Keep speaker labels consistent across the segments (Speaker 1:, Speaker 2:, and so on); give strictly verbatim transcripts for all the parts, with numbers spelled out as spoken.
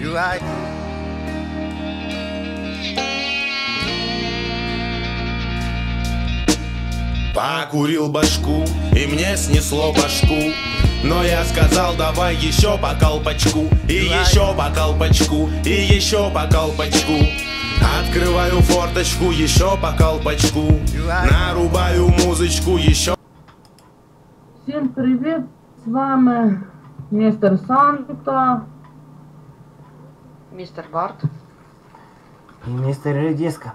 Speaker 1: Покурил башку, и мне снесло башку. Но я сказал, давай еще по колпачку, и еще по колпачку, и еще по колпачку. Открываю форточку, еще по колпачку, нарубаю музычку, еще.
Speaker 2: Всем привет, с вами мистер Санта,
Speaker 3: містер Барт
Speaker 4: і містер Редіска.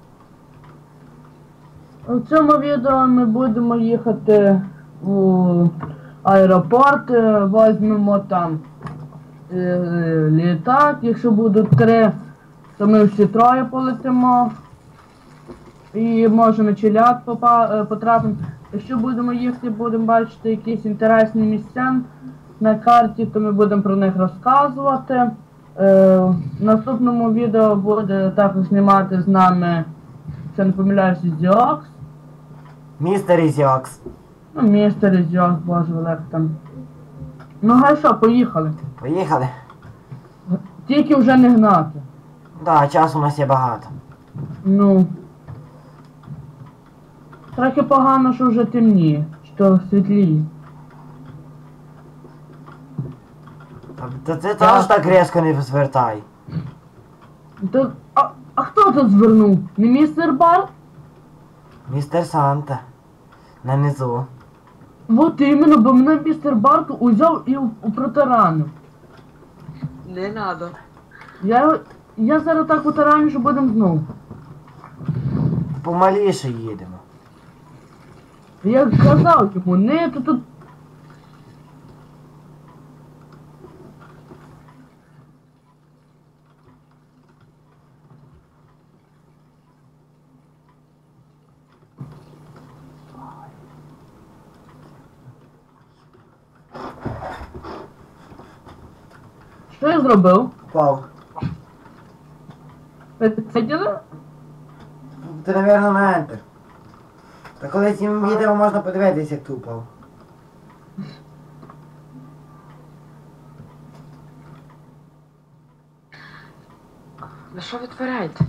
Speaker 2: У цьому відео ми будемо їхати у аеропорт, візьмемо там е, літак, якщо будуть три, то ми всі троє полетимо і може на Челяд потрапимо. Якщо будемо їхати, будемо бачити якісь інтересні місця на карті, то ми будемо про них розказувати. Е, в наступному відео буде також знімати з нами, якщо не помиляюся, Зіокс.
Speaker 4: Містер Ізіокс.
Speaker 2: Ну, містер Ізіокс, боже, Олег там. Ну, гай що, поїхали.
Speaker 4: Поїхали.
Speaker 2: Тільки вже не гнати.
Speaker 4: Да, часу у нас є багато.
Speaker 2: Ну. Трохи погано, що вже темніє, що світліє.
Speaker 4: Та ти теж так різко не звертай.
Speaker 2: То, а, а хто тут звернув? Не містер Барт?
Speaker 4: Містер Санта. Нанизу.
Speaker 2: Вот іменно, бо мене містер Барт узяв і протаранив.
Speaker 3: Не надо.
Speaker 2: Я, я зараз так протараню, що будемо знову.
Speaker 4: Помаліше їдемо.
Speaker 2: Я казав йому, не, то тут... Що я зробив?
Speaker 4: Впав.
Speaker 2: Ви це діли?
Speaker 4: Ти, напевно, на Enter. Та коли цим відео можна подивитися, як ти упав.
Speaker 3: Ви що витворяєте?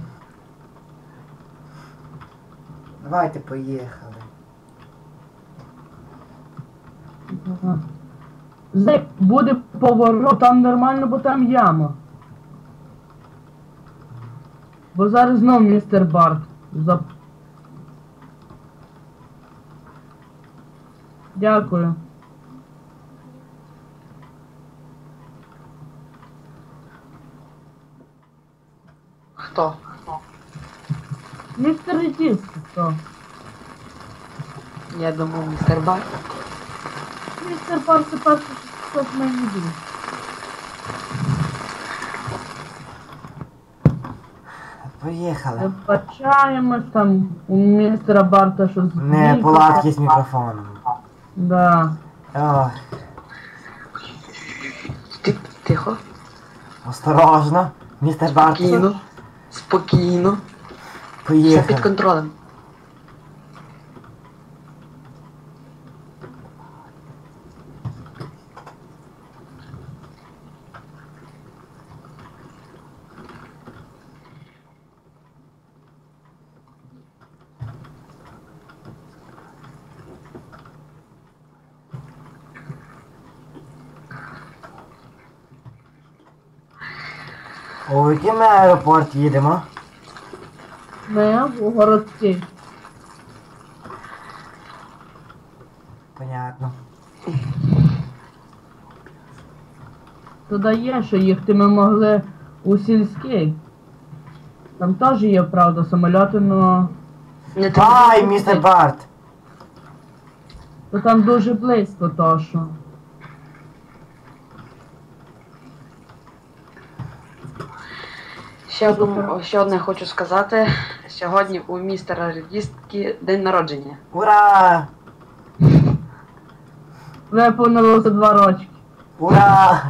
Speaker 4: Давайте поїхали.
Speaker 2: Ага. Зек, буде поворот, там нормально, бо там яма. Бо зараз знов містер Барт. За... Дякую.
Speaker 3: Хто?
Speaker 2: Містер Редіс, хто?
Speaker 3: Я думав, містер Барт.
Speaker 2: Містер Барт це перший, хто в мене буде.
Speaker 4: Поїхали.
Speaker 2: Вибачаємось, там у містера Барта щось...
Speaker 4: Не,
Speaker 2: зник.
Speaker 4: палатки з мікрофоном.
Speaker 2: Да.
Speaker 4: Ох,
Speaker 3: Ти, тихо.
Speaker 4: осторожно. Містер Барт.
Speaker 3: Спокійно. Спокійно. Все
Speaker 4: Поїхали.
Speaker 3: під контролем.
Speaker 4: У який ми аеропорт їдемо?
Speaker 2: Ми у городський.
Speaker 4: Понятно.
Speaker 2: Туди є, що їхати ми могли у сільський. Там теж є, правда, самольоти, но...
Speaker 3: Не
Speaker 4: Ай, містер Барт!
Speaker 2: То там дуже близько, то що.
Speaker 3: Ще, одну, ще одне хочу сказати. Сьогодні у містера Редіски день народження.
Speaker 4: Ура!
Speaker 2: Виповнилося два рочки.
Speaker 4: Ура!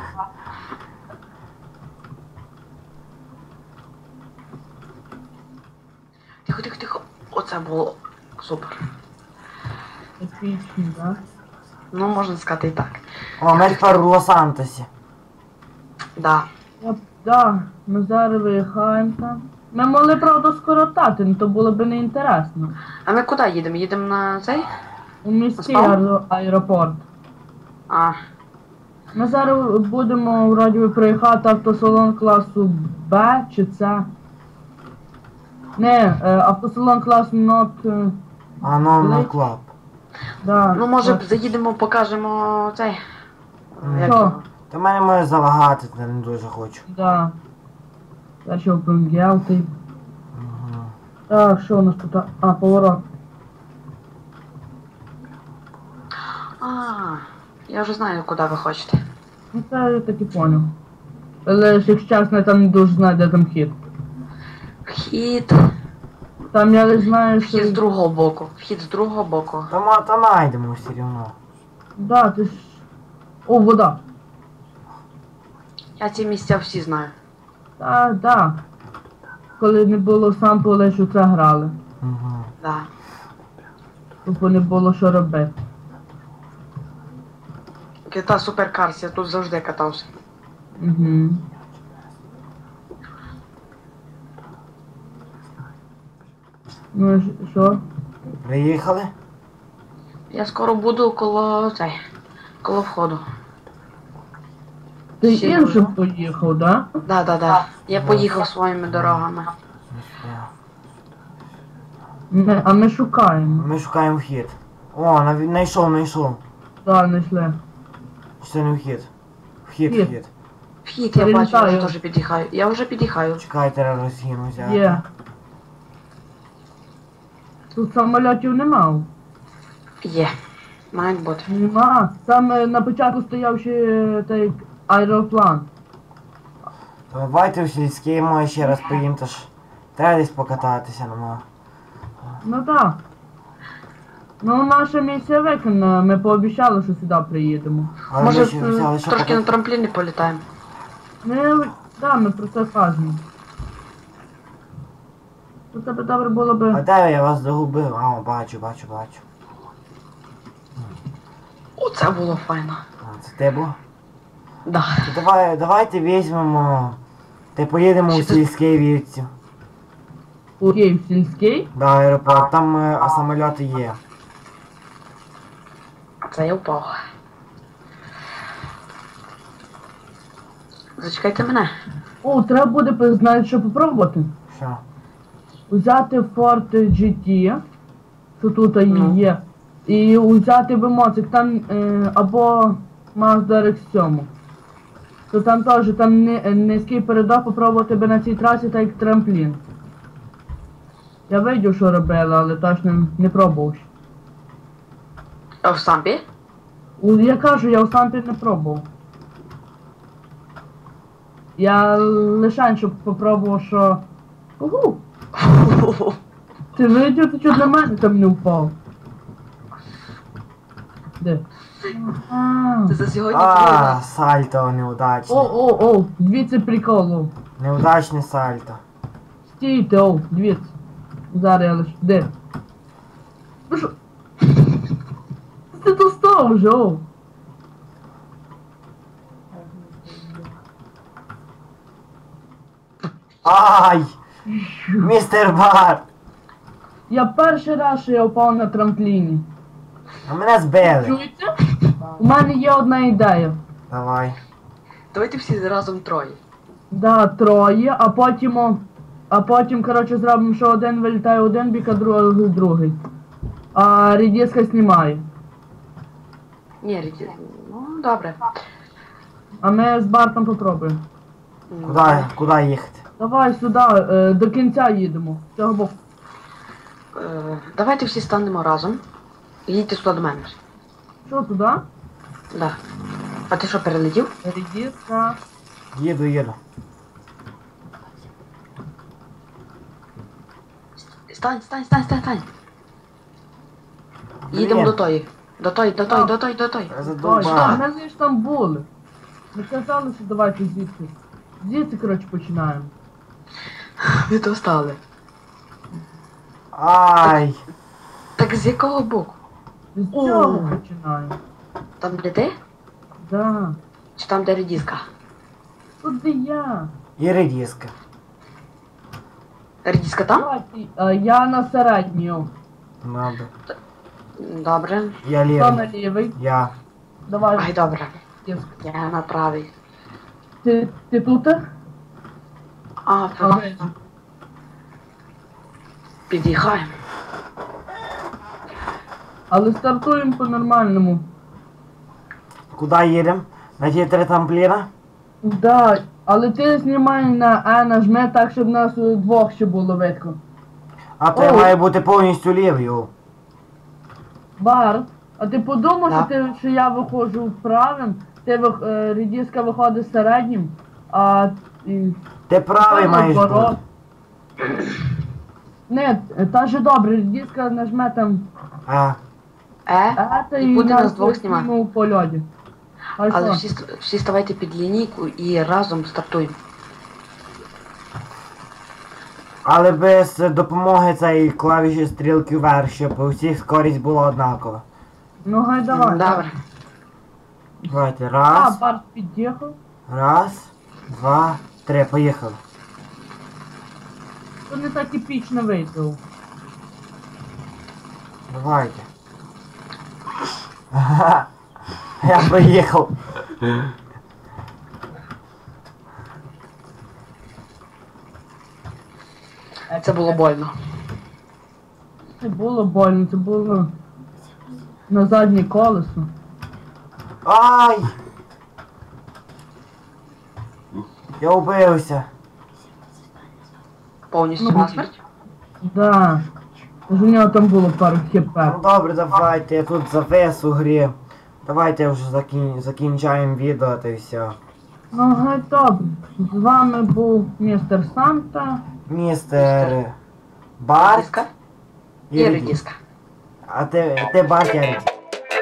Speaker 3: Тихо, тихо, тихо. Оце було супер.
Speaker 2: Епічно, да?
Speaker 3: Ну, можна сказати і так.
Speaker 4: О, ми тепер у Лос-Сантосі.
Speaker 3: Да.
Speaker 2: Я, да, ми зараз виїхаємо там. Ми могли, правда, скоротати, але то було б неінтересно.
Speaker 3: А ми куди їдемо? Їдемо на цей?
Speaker 2: У міський
Speaker 3: Спав?
Speaker 2: аеро- аеропорт.
Speaker 3: А,
Speaker 2: Ми зараз будемо вроді би приїхати автосалон класу Б чи С. Не, е, автосалон класу Not. е,
Speaker 4: А ну на
Speaker 2: Ледь.
Speaker 4: клаб.
Speaker 2: Да,
Speaker 3: ну може
Speaker 2: от.
Speaker 3: заїдемо, покажемо цей.
Speaker 4: Ну,
Speaker 3: Як
Speaker 2: Що?
Speaker 3: його?
Speaker 4: Та мене може залагати, я не дуже хочу.
Speaker 2: Да. Я ще опенгел, ти.
Speaker 4: Угу.
Speaker 2: Так, що у нас тут? А, поворот.
Speaker 3: А, я вже знаю, куди ви хочете.
Speaker 2: Ну це я так і поняв. Але ж, якщо чесно, я там не дуже знаю, де там хід.
Speaker 3: Вхід.
Speaker 2: Там я лише знаю, що...
Speaker 3: Вхід з другого боку. Вхід з другого боку.
Speaker 4: Та ма та найдемо все рівно.
Speaker 2: Да, ти ж... О, вода.
Speaker 3: Я ці місця всі знаю.
Speaker 2: Так, да. Коли не було сам поле, що це грали.
Speaker 4: Угу.
Speaker 3: Да.
Speaker 2: Тобто не було що робити.
Speaker 3: Кита суперкарс, я тут завжди катався.
Speaker 2: Угу. Ну і ж- що?
Speaker 4: Приїхали?
Speaker 3: Я скоро буду коло цей. Коло входу.
Speaker 2: Ти
Speaker 3: Ще
Speaker 2: іншим
Speaker 3: можна?
Speaker 2: поїхав, да?
Speaker 3: Да, да, да. Я поїхав своїми дорогами.
Speaker 2: Ми, а ми шукаємо.
Speaker 4: Ми шукаємо вхід. О, нав- знайшов, знайшов.
Speaker 2: Да, знайшли.
Speaker 4: Чи це не вхід? Вхід,
Speaker 2: Вхід.
Speaker 4: вхід.
Speaker 3: Вхід, я бачу, я
Speaker 2: Прилітаю.
Speaker 3: вже теж під'їхаю. Я вже під'їхаю.
Speaker 4: Чекай, треба розгін взяти.
Speaker 2: Є. Тут самольотів нема.
Speaker 3: Є. Мають бути.
Speaker 2: Нема. Там е, на початку стояв ще е, той аероплан.
Speaker 4: Давайте в сільський, може ще раз поїм, то ж треба десь покататися, ну.
Speaker 2: Ну так. Ну, наша місія виконана, ми пообіцяли, що сюди приїдемо.
Speaker 4: Але
Speaker 3: Може,
Speaker 4: ми ще взяли, що
Speaker 3: трошки на
Speaker 4: покататися.
Speaker 3: трампліні політаємо.
Speaker 2: Ми, да, ми про це кажемо. То тебе добре було
Speaker 4: А
Speaker 2: би...
Speaker 4: де я вас загубив? А, бачу, бачу, бачу.
Speaker 3: Оце було файно.
Speaker 4: А, це ти був?
Speaker 3: Да.
Speaker 4: То давай, давайте візьмемо. Ти поїдемо у
Speaker 3: Що ти-
Speaker 4: сільський вівці.
Speaker 2: У Київ сільський.
Speaker 4: До аеропорт, там е, а самольоти є.
Speaker 3: Це я впав. Зачекайте мене.
Speaker 2: О, треба буде, пи- знаєш, що попробувати.
Speaker 4: Що?
Speaker 2: Взяти Ford джі ті, що тут і
Speaker 3: Ну.
Speaker 2: є, і взяти вимоцик, там е, або Mazda ар ікс сім. То там теж там ни- низький передок попробувати би на цій трасі, так як трамплін. Я видів, що робили, але точно не пробував. ще.
Speaker 3: А в сампі?
Speaker 2: У- Я кажу, я у сампі не пробував. Я лише щоб попробував, що... Угу! Ти видів, ти чого на мене там не впав? Де? А.
Speaker 3: Це за сьогодні
Speaker 4: А,
Speaker 3: твоя.
Speaker 4: сальто
Speaker 2: О,
Speaker 4: неудачне.
Speaker 2: о, о, дивіться прикол, о.
Speaker 4: Неудачне сальто.
Speaker 2: Стійте, о, дивіться. Зараз я лише, де? Ну що? Ти тут став вже, о.
Speaker 4: Ай! Містер Бар!
Speaker 2: Я перший раз, що я впав на трампліні.
Speaker 4: А мене збили.
Speaker 2: Чуєте? У мене є одна ідея.
Speaker 4: Давай.
Speaker 3: Давайте всі разом троє.
Speaker 2: Да, троє, а потім, о, а потім, коротше, зробимо, що один вилітає один бік, а другий другий. А рідіска знімає.
Speaker 3: Ні, Ріті. Ну, добре.
Speaker 2: А ми з Бартом попробуємо.
Speaker 3: М,
Speaker 4: Куди, куди їхати?
Speaker 2: Давай сюди, е, до кінця їдемо. З цього боку.
Speaker 3: е, Давайте всі станемо разом. Їдьте сюди до мене.
Speaker 2: Що туди?
Speaker 3: Да. А ти що, перелетів?
Speaker 2: Рідіска.
Speaker 4: Їду, їду.
Speaker 3: Стань, стань, стань, стань, стань. Їдемо
Speaker 4: Блін.
Speaker 3: до тої. До тої, до тої, до тої, до тої.
Speaker 4: Я
Speaker 2: Ой,
Speaker 4: задовбав.
Speaker 2: ми ж там були. Ми казали, що давайте звідси. Звідси, коротше, починаємо.
Speaker 3: Ви то стали.
Speaker 4: Ай!
Speaker 3: Так з якого боку?
Speaker 2: З
Speaker 3: О.
Speaker 2: цього починаємо.
Speaker 3: Там де ти?
Speaker 2: Да.
Speaker 3: Чи там де редіска?
Speaker 2: Тут де я.
Speaker 4: І редиска.
Speaker 3: Редиска там?
Speaker 2: Давайте, е, я на середню.
Speaker 4: Надо.
Speaker 3: Добре.
Speaker 4: Я
Speaker 2: Хто на
Speaker 4: лівий.
Speaker 2: лівий?
Speaker 4: Я.
Speaker 2: Давай.
Speaker 3: Ай, добре.
Speaker 2: Диск.
Speaker 3: Я на правий.
Speaker 2: Ти, ти тут?
Speaker 3: А,
Speaker 2: Ага.
Speaker 3: під'їхаємо.
Speaker 2: Але стартуємо по-нормальному.
Speaker 4: Куди їдемо? На ті три тампліна?
Speaker 2: Да, але ти знімай на А нажми так, щоб нас е, двох ще було видко.
Speaker 4: А то я
Speaker 2: Ой.
Speaker 4: маю бути повністю лівий. о.
Speaker 2: Бар, а ти подумав,
Speaker 3: Да.
Speaker 2: що, ти, що я виходжу правим, ти вих, е, редиска виходить середнім, а і,
Speaker 4: Ти правий
Speaker 2: та
Speaker 4: маєш
Speaker 2: наоборот.
Speaker 4: бути.
Speaker 2: Не, та же добре, редиска нажме там
Speaker 4: А.
Speaker 3: Е,
Speaker 2: А, та
Speaker 3: і
Speaker 2: і
Speaker 3: буде нас
Speaker 2: нас
Speaker 3: двох знімати.
Speaker 2: знімемо по льоді. А
Speaker 3: Але
Speaker 2: що?
Speaker 3: всі, ст- всі ставайте під лінійку і разом стартуємо.
Speaker 4: Але без допомоги цієї клавіші стрілки вверх, щоб у всіх скорість була однакова.
Speaker 2: Ну гай давай.
Speaker 3: Добре.
Speaker 4: Давайте,
Speaker 2: А,
Speaker 4: раз,
Speaker 2: Барт під'їхав.
Speaker 4: раз, два, три, поїхали.
Speaker 2: То не так епічно вийшло.
Speaker 4: Давайте. Ага. Я проїхав.
Speaker 3: Це було больно.
Speaker 2: Це було больно, це було на заднє колесо.
Speaker 4: Ай! Я убився.
Speaker 3: Повністю
Speaker 2: Ну,
Speaker 3: насмерть.
Speaker 2: Да. У нього там було пару хп.
Speaker 4: Ну добре, давайте, я тут завис у грі. Давайте вже закін... закінчаємо відео та й все.
Speaker 2: Ну гай добре. З вами був містер Санта.
Speaker 4: Містер Барт
Speaker 3: Редиска
Speaker 4: і
Speaker 3: і
Speaker 4: Редіс.
Speaker 3: редиска.
Speaker 4: А ти, ти Барт, я Редіс.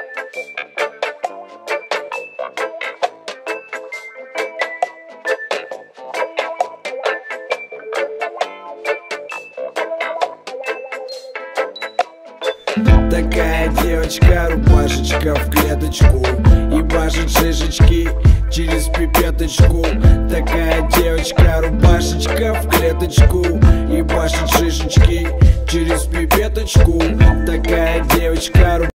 Speaker 5: Такая девочка, рубашечка в клеточку, ебашит шишечки через пипеточку. Такая девочка, рубашечка в клеточку, ебашит шишечки через пипеточку. Такая девочка,